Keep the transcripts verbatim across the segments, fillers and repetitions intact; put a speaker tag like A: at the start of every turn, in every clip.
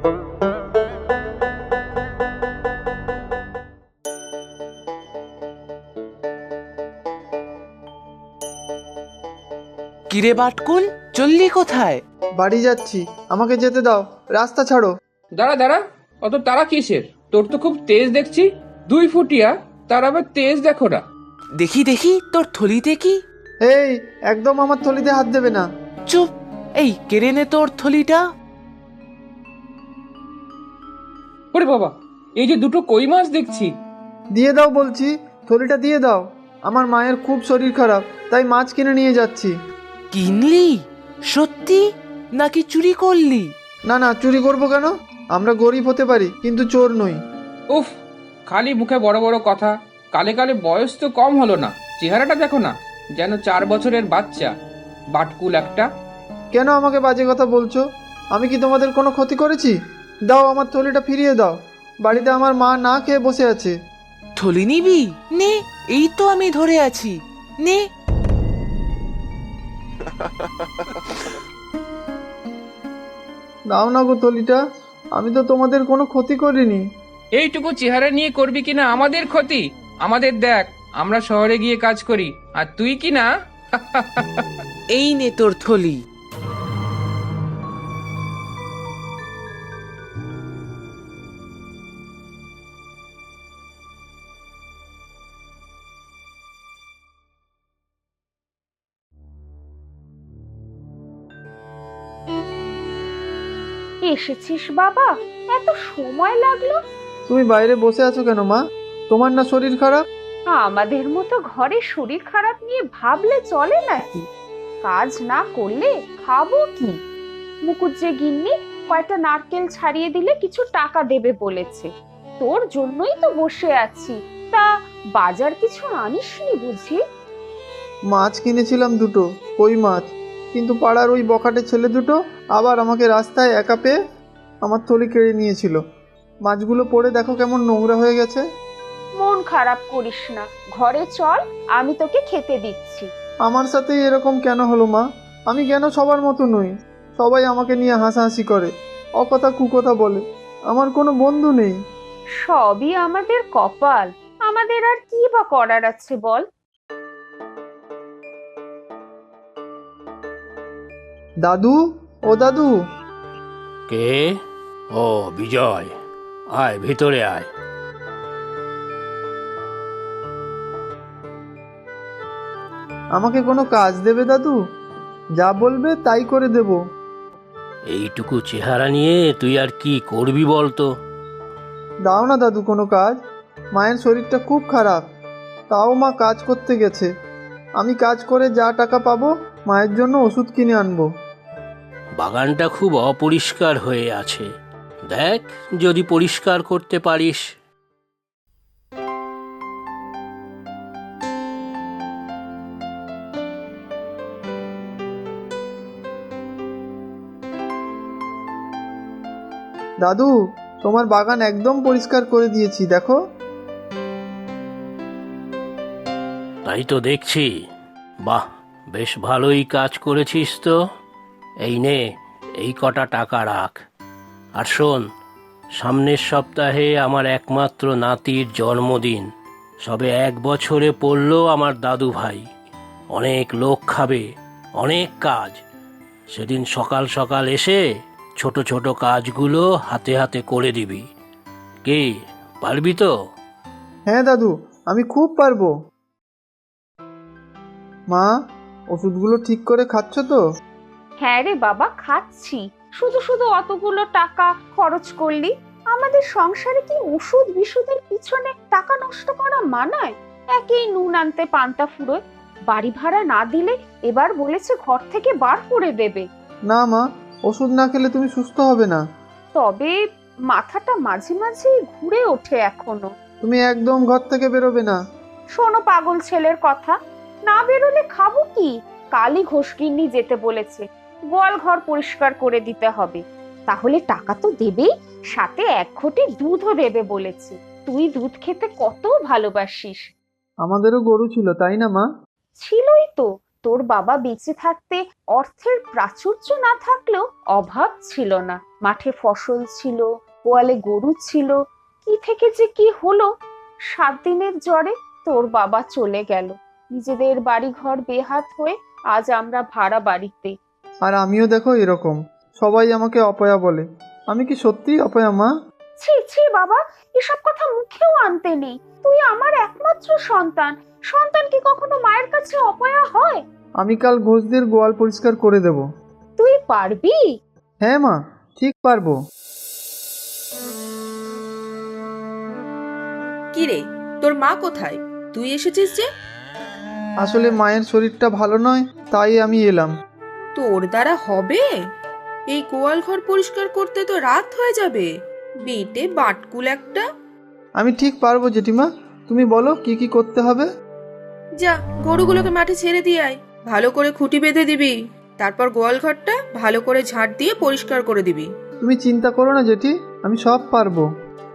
A: কিরে বাটকুল, চললি কোথায়?
B: বাড়ি যাচ্ছি, আমাকে যেতে দাও, রাস্তা ছাড়ো।
C: দাঁড়া দাঁড়া, অত তারা কিসের? তোর তো খুব তেজ দেখছি। দুই ফুটিয়া, তার আবার তেজ দেখো না।
A: দেখি দেখি তোর থলিতে কি।
B: এই, একদম আমার থলিতে হাত দেবে না।
A: চুপ! এই কেড়ে নে তোর থলিটা।
C: ওরে বাবা, এই যে দুটো কই মাছ দেখছি।
B: দিয়ে দাও বলছি, থলিটা দিয়ে দাও। আমার মায়ের খুব শরীর খারাপ, তাই মাছ কিনে নিয়ে যাচ্ছি।
A: কিনলি? সত্যি নাকি চুরি করলি?
B: না না, চুরি করবো কেন? আমরা গরিব হতে পারি, কিন্তু চোর নই।
C: উফ, খালি মুখে বড় বড় কথা। কালে কালে বয়স তো কম হলো না, চেহারাটা দেখো না, যেন চার বছরের বাচ্চা। বাটকুল একটা।
B: কেন আমাকে বাজে কথা বলছো? আমি কি তোমাদের কোনো ক্ষতি করেছি? দাও, আমার থলিটা ফিরিয়ে দাও। বাড়িতে আমার মা না খেয়ে বসে আছে।
A: থলি নিবি? নে, এই তো আমি ধরে আছি, নে।
B: দাও না গো থলিটা, আমি তো তোমাদের কোনো ক্ষতি করিনি।
C: এইটুকু চেহারা নিয়ে করবি কিনা আমাদের ক্ষতি? আমাদের দেখ, আমরা শহরে গিয়ে কাজ করি, আর তুই কি না।
A: এই নে তোর থলি।
D: এসেছিস বাবা? এত সময় লাগলো?
B: তুমি বাইরে বসে আছো কেন মা? তোমার না শরীর খারাপ?
D: আমাদের মতো ঘরে শরীর খারাপ নিয়ে ভাবলে চলে নাকি? কাজ না করলে খাবো কি? মুকুট যে গিন্নি কয়টা নারকেল ছাড়িয়ে দিলে কিছু টাকা দেবে বলেছে। তোর জন্যই তো বসে আছি। তা বাজার কিছু আনিসনি বুঝি?
B: মাছ কিনেছিলাম দুটো, কই মাছ, কিন্তু পাড়ার ওই বখাটে ছেলে দুটো আবার আমাকে রাস্তায় একা পেয়ে আমার থলি কেড়ে নিয়েছিল। মাছগুলো পড়ে দেখো কেমন নোংরা হয়ে গেছে।
D: মন খারাপ করিস না, ঘরে চল, আমি তোকে খেতে দিচ্ছি।
B: আমার সাথেই এরকম কেন হলো মা? আমি কেন সবার মতো নই? সবাই আমাকে নিয়ে হাসাহাসি করে, অকথা কুকথা বলে। আমার কোনো বন্ধু নেই।
D: সবই আমাদের কপাল, আমাদের আর কি বা করার আছে বল?
B: দাদু, ও দাদু।
E: কে? ও বিজয়, আয় ভিতরে আয়।
B: আমাকে কোনো কাজ দেবে দাদু? যা বলবে তাই করে দেব।
E: এইটুকু চেহারা নিয়ে তুই আর কি করবি বলতো?
B: দাও না দাদু কোনো কাজ। মায়ের শরীরটা খুব খারাপ, তাও মা কাজ করতে গেছে। আমি কাজ করে যা টাকা পাবো মায়ের জন্য ওষুধ কিনে আনবো।
E: বাগানটা খুব অপরিষ্কার হয়ে আছে, দেখ যদি পরিষ্কার করতে পারিস।
B: দাদু, তোমার বাগান একদম পরিষ্কার করে দিয়েছি, দেখো।
E: তাই তো দেখছি। বাহ, বেশ ভালোই কাজ করেছিস তো। এই নে, এই কটা টাকা রাখ। আর শোন, সামনের সপ্তাহে আমার একমাত্র নাতির জন্মদিন। সবে এক বছরে পড়ল আমার দাদু ভাই। অনেক লোক খাবে, অনেক কাজ। সেদিন সকাল সকাল এসে ছোট ছোট কাজগুলো হাতে হাতে করে দিবি। কি, পারবি তো?
B: হ্যাঁ দাদু, আমি খুব পারবো। মা, ওষুধগুলো ঠিক করে খাচ্ছ তো?
D: হ্যাঁ রে বাবা, খাচ্ছি। শুধু শুধু অতগুলো টাকা খরচ করলি? আমাদের সংসারে কি ওষুধ বিশুদ্ধের পিছনে টাকা নষ্ট করা মানায়? একেই নুন আনতে পান্তা ফুরোয়, বাড়ি ভাড়া না দিলে এবার বলেছে ঘর থেকে বার করে দেবে।
B: না মা, ওষুধ না খেলে তুমি সুস্থ হবে না।
D: তবে মাথাটা মাঝে মাঝে ঘুরে ওঠে এখনো।
B: তুমি একদম ঘর থেকে বেরোবে না।
D: শোনো পাগল ছেলের কথা, না বেরোলে খাবো কি? কালই ঘোষগিন্নি যেতে বলেছে, গোয়াল ঘর পরিষ্কার করে দিতে হবে। তাহলে টাকা তো দেবেই, সাথে এক ঘটি দুধও দেবে বলেছে। তুই দুধ খেতে কত ভালোবাসিস।
B: আমাদেরও গরু ছিল, তাই না মা?
D: ছিলই তো, তোর বাবা বেঁচে থাকতে অর্থের প্রাচুর্য না থাকলেও অভাব ছিল না। মাঠে ফসল ছিল, গোয়ালে গরু ছিল, কি থেকে যে কি হলো। সাত দিনের জ্বরে তোর বাবা চলে গেল। নিজেদের বাড়ি ঘর বেহাত হয়ে আজ আমরা ভাড়া বাড়িতে।
B: আর আমিও দেখো এরকম, সবাই আমাকে অপয়া বলে। আমি কি সত্যিই অপয়া মা?
D: ছি ছি বাবা, এসব কথা মুখেও আনতে নেই। তুই আমার একমাত্র সন্তান, সন্তান কি কখনো মায়ের কাছে অপয়া হয়?
B: আমি কাল ঘোষদের গোয়াল পরিষ্কার করে দেব।
D: তুই পারবি?
B: হ্যাঁ মা, ঠিক পারবো।
F: কি রে, তোর মা কোথায়? তুই এসেছিস যে?
B: আসলে মায়ের শরীরটা ভালো নয়, তাই আমি এলাম।
F: তোর দ্বারা হবে? এই গোয়াল ঘর পরিষ্কার করতে তো রাত হয়ে যাবে। বেটে বাটকুল একটা।
B: আমি ঠিক পারবো জেঠিমা, তুমি বলো কি কি করতে হবে।
F: যা, গরুগুলোকে মাঠে ছেড়ে দিয়ে আয়। ভালো করে খুঁটি বেঁধে দিবি। তারপর গোয়াল ঘরটা ভালো করে ঝাড় দিয়ে পরিষ্কার করে দিবি।
B: তুমি চিন্তা করো না জেঠি, আমি সব পারবো।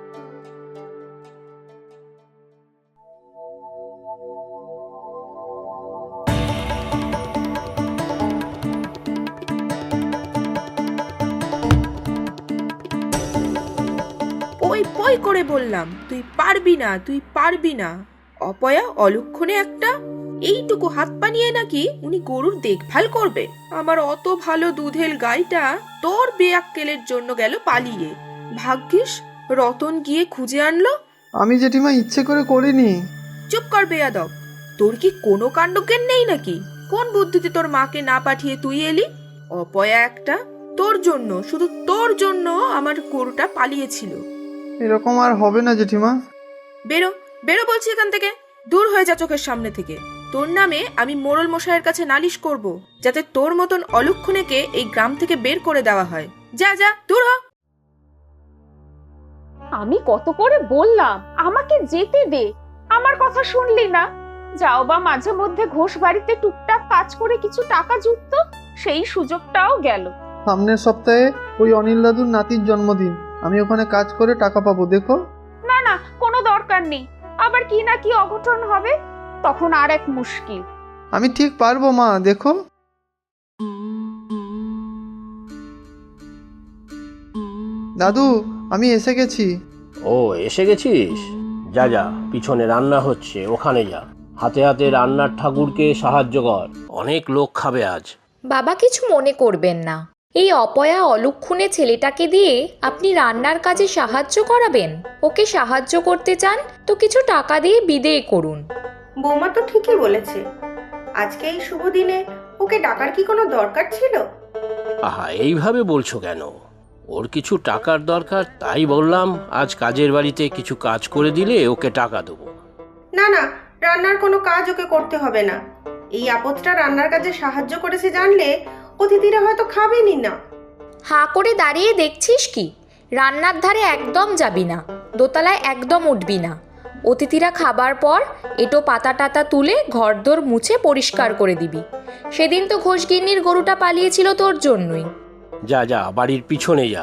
F: পই পই করে বললাম, তুই পারবি না, তুই পারবি না। অপয়া অলক্ষণে একটা। এইটুকু হাত পা নিয়ে নাকি উনি গরুর দেখভাল করবে? আমার অত ভালো দুধের গাইটা তোর বেয়াক্কেলের জন্য গেল পালিয়ে। ভাগ্যিস রতন গিয়ে খুঁজে আনলো।
B: আমি জেঠিমা ইচ্ছে করে করিনি।
F: চুপ কর বেয়াদব, তোর কি কোনো কাণ্ডজ্ঞান নেই নাকি? কোন বুদ্ধিতে তোর মাকে না পাঠিয়ে তুই এলি? অপয়া একটা। তোর জন্য, শুধু তোর জন্য আমার গরুটা পালিয়েছিল।
B: এরকম আর হবে না জেঠিমা।
F: বেরো, বেরো বলছি এখান থেকে। দূর হয়ে যা চোখের সামনে থেকে। তোর নামে আমি মোড়ল মশাইয়ের কাছে নালিশ করব, যাতে তোর মতন অলক্ষণেকে এই গ্রাম থেকে বের করে দেওয়া হয়। যা যা, দূর হ।
D: আমি কত করে বললাম আমাকে যেতে দে, আমার কথা শুনলি না? যাও বা মাঝে মধ্যে ঘোষ বাড়িতে টুকটাক কাজ করে কিছু টাকা জুটত, সেই সুযোগটাও গেল।
B: সামনের সপ্তাহে ওই অনিল দাদুর নাতির জন্মদিন, আমি ওখানে কাজ করে টাকা পাবো, দেখো।
D: না না, কোনো দরকার নেই। আবার কি না কি অঘটন হবে, তখন আর এক মুশকিল।
B: আমি ঠিক পারবো মা, দেখো। দাদু, আমি এসে গেছি।
E: ও, এসে গেছিস? যা যা, পিছনে রান্না হচ্ছে, ওখানে যা। হাতে হাতে রান্নার ঠাকুরকে সাহায্য কর, অনেক লোক খাবে আজ।
G: বাবা কিছু মনে করবেন না, এই অপয়া অলক্ষণে ছেলেটাকে দিয়ে আপনি রান্নার কাজে সাহায্য করাবেন? ওকে সাহায্য করতে চান তো কিছু টাকা দিয়ে বিদেয় করুন।
H: বৌমা তো ঠিকই বলেছে। আজকে এই শুভ দিনে ওকে ডাকার কি কোনো দরকার ছিল?
E: আহা, এইভাবে বলছো কেন? ওর কিছু টাকার দরকার, তাই বললাম আজ কাজের বাড়িতে কিছু কাজ করে দিলে ওকে টাকা দেবো।
H: না না, রান্নার কোনো কাজ ওকে করতে হবে না। এই আপদটা রান্নার কাজে সাহায্য করেছে জানলে অতিথিরা হয়তো খাবেনই না।
G: হাঁ করে দাঁড়িয়ে দেখছিস কি? রান্নার ধারে একদম যাবি না, দোতলায় একদম উঠবি না। অতিথিরা খাবার পর এটো পাতা টাতা তুলে ঘরদোর মুছে পরিষ্কার করে দিবি। সেদিন তো ঘোষগিন্নির গরুটা পালিয়েছিল তোর জন্যই।
E: যা যা, বাড়ির পিছনে যা।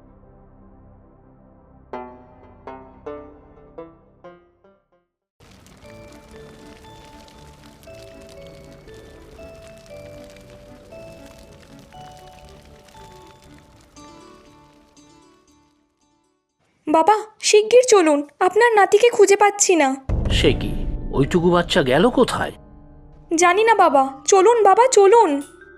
I: বাবা শিগগির চলুন, আপনার নাতিকে খুঁজে পাচ্ছি না।
E: সে কি, ওইটুকু বাচ্চা গেল কোথায়?
I: জানি না বাবা, চলুন বাবা চলুন।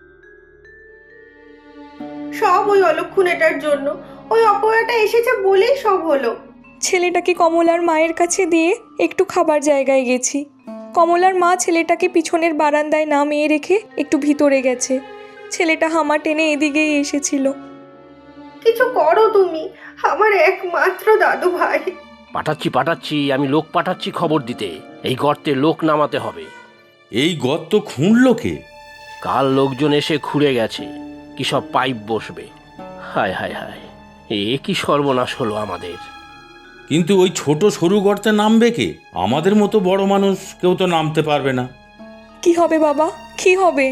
H: সব ওই অলক্ষণেটার জন্য। ওই অপয়াটা এসেছে বলেই সব হলো।
I: ছেলেটাকে কমলার মায়ের কাছে দিয়ে একটু খাবার জায়গায় গেছি। কমলার মা ছেলেটাকে পিছনের বারান্দায় নামিয়ে রেখে একটু ভিতরে গেছে। ছেলেটা হামা টেনে এদিকেই এসেছিল।
H: কিছু করো তুমি, আমার একমাত্র দাদু ভাই।
E: পাঠাচ্ছি পাঠাচ্ছি, আমি লোক পাঠাচ্ছি খবর দিতে। এই গর্তে লোক নামাতে হবে।
J: এই গর্ত খুঁড়লো কে?
E: কাল লোকজন এসে খুঁড়ে গেছে, কি সব পাইপ বসবে। হায় হায় হায়, এ কি সর্বনাশ হলো আমাদের।
J: কিন্তু ওই ছোট সরু গর্তে নামবে কে? আমাদের মতো বড় মানুষ কেউ তো নামতে পারবে না।
I: কি হবে বাবা, কি হবে?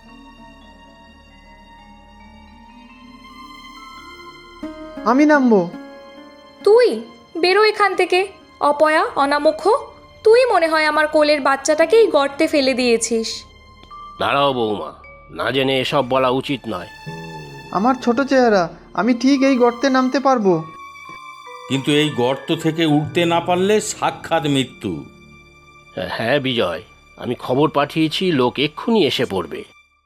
B: আমি নামবো।
G: তুই বেরো এখান থেকে। অপয়া, অনামুখ, তুই মনে হয় আমার কোলের বাচ্চাটাকে এই গর্তে ফেলে দিয়েছিস।
E: দাঁড়াও বৌমা, না জেনে এসব বলা উচিত নয়।
B: আমার ছোট চেহারা, আমি ঠিক এই গর্তে নামতে পারবো।
J: কিন্তু এই গর্ত থেকে উঠতে না পারলে সাক্ষাৎ মৃত্যু।
E: হ্যাঁ বিজয়, আমি খবর পাঠিয়েছি, লোক এক্ষুনি এসে পড়বে।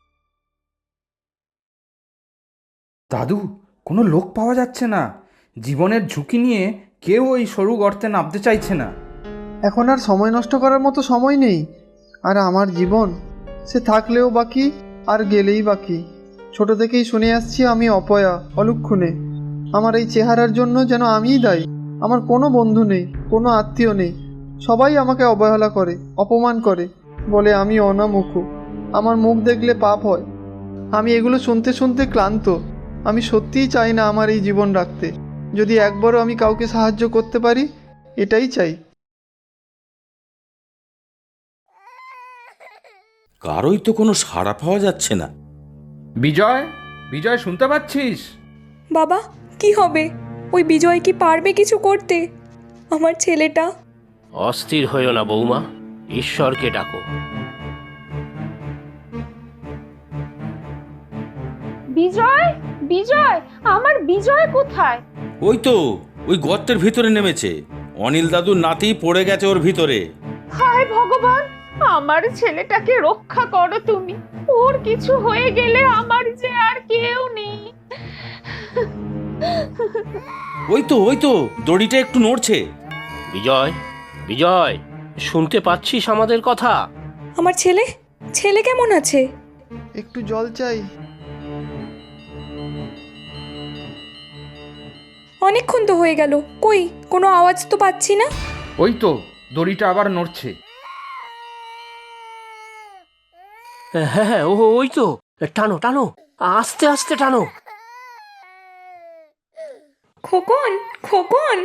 K: দাদু, কোনো লোক পাওয়া যাচ্ছে না। জীবনের ঝুঁকি নিয়ে কেউ ওই সরু গর্তে নামতে চাইছে না।
B: এখন আর সময় নষ্ট করার মতো সময় নেই। আর আমার জীবন, সে থাকলেও বাকি আর গেলেই বাকি। ছোট থেকেই শুনে আসছি আমি অপয়া, অলক্ষণে। আমার এই চেহারার জন্য যেন আমিই দায়ী। আমার কোনো বন্ধু নেই, কোনো আত্মীয় নেই। সবাই আমাকে অবহেলা করে, অপমান করে, বলে আমি অনামুখ, আমার মুখ দেখলে পাপ হয়। আমি এগুলো শুনতে শুনতে ক্লান্ত। আমি সত্যিই চাই না আমার এই জীবন রাখতে। যদি একবারও আমি কাউকে সাহায্য করতে পারি, এটাই চাই।
J: কারোই তো কোনো সাড়া পাওয়া যাচ্ছে না।
K: বিজয়, বিজয় শুনতে পাচ্ছিস?
I: বাবা, কি হবে? ওই বিজয় কি পারবে কিছু করতে? আমার ছেলেটা।
E: অস্থির হইও না বৌমা, ঈশ্বরকে ডাকো।
D: বিজয়, বিজয়, আমার বিজয় কোথায়?
J: ওই তো ওই গর্তের ভিতরে নেমেছে। অনিল দাদুর নাতি পড়ে গেছে ওর ভিতরে।
D: হায় ভগবান, আমার ছেলেটাকে রক্ষা করো তুমি। ওর কিছু হয়ে গেলে আমার যে আর কেউ নেই।
J: ওই তো ওই তো দড়িটা একটু নড়ছে।
E: বিজয়, বিজয়, শুনতে পাচ্ছিস আমাদের কথা?
I: আমার ছেলে, ছেলে কেমন আছে?
B: একটু জল চাই।
I: অনেকক্ষণ তো হয়ে গেল, কই কোনো আওয়াজ তো পাচ্ছি না।
K: ওই তো দড়িটা আবার নড়ছে।
E: হ্যাঁ হ্যাঁ, ও ওই তো, টানো টানো, আস্তে আস্তে টানো।
I: খোকন, খোকন।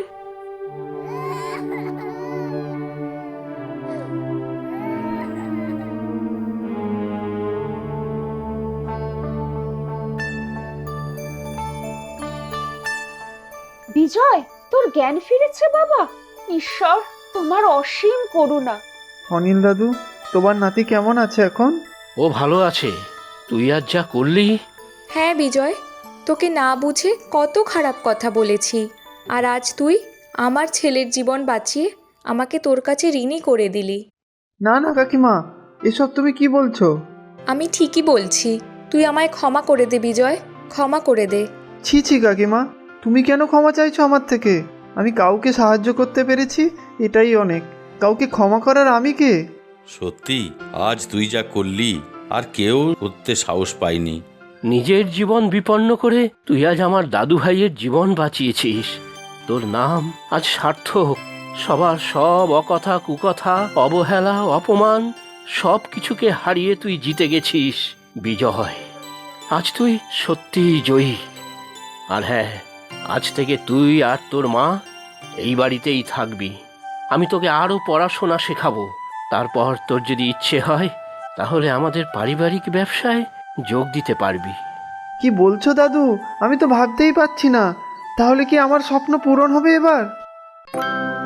D: বিজয়, তোর জ্ঞান ফিরেছে বাবা? ঈশ্বর, তোমার অসীম করুণা।
B: অনিল দাদু, তোমার নাতি কেমন আছে এখন?
E: ও ভালো আছে। তুই আজ যা করলি।
I: হ্যাঁ বিজয়, তোকে না বুঝে কত খারাপ কথা বলেছি, আর আজ তুই আমার ছেলের জীবন বাঁচিয়ে আমাকে তোর কাছে ঋণী করে দিলি।
B: না না কাকিমা, এসব তুমি কি বলছো?
I: আমি ঠিকই বলছি, তুই আমায় ক্ষমা করে দে বিজয়, ক্ষমা করে দে।
B: ছি ছি কাকিমা, তুমি কেন ক্ষমা চাইছো আমার থেকে? আমি কাউকে সাহায্য করতে পেরেছি, এটাই অনেক। কাউকে ক্ষমা করার আমি কে?
J: সত্যি আজ তুই যা করলি আর কেউ করতে সাহস পায়নি।
E: নিজের জীবন বিপন্ন করে তুই আজ আমার দাদু ভাইয়ের জীবন বাঁচিয়েছিস। তোর নাম আজ সার্থক। সবার সব অকথা, কুকথা, অবহেলা, অপমান সব কিছুকে হারিয়ে তুই জিতে গেছিস বিজয়। আজ তুই সত্যিই জয়ী। আর হ্যাঁ, আজ থেকে তুই আর তোর মা এই বাড়িতেই থাকবি। আমি তোকে আরও পড়াশোনা শেখাবো। তারপর তোর যদি ইচ্ছে হয় তাহলে আমাদের পারিবারিক ব্যবসায় যোগ দিতে পারবি।
B: কি বলছো দাদু? আমি তো ভাবতেই পারছি না। তাহলে কি আমার স্বপ্ন পূরণ হবে এবার?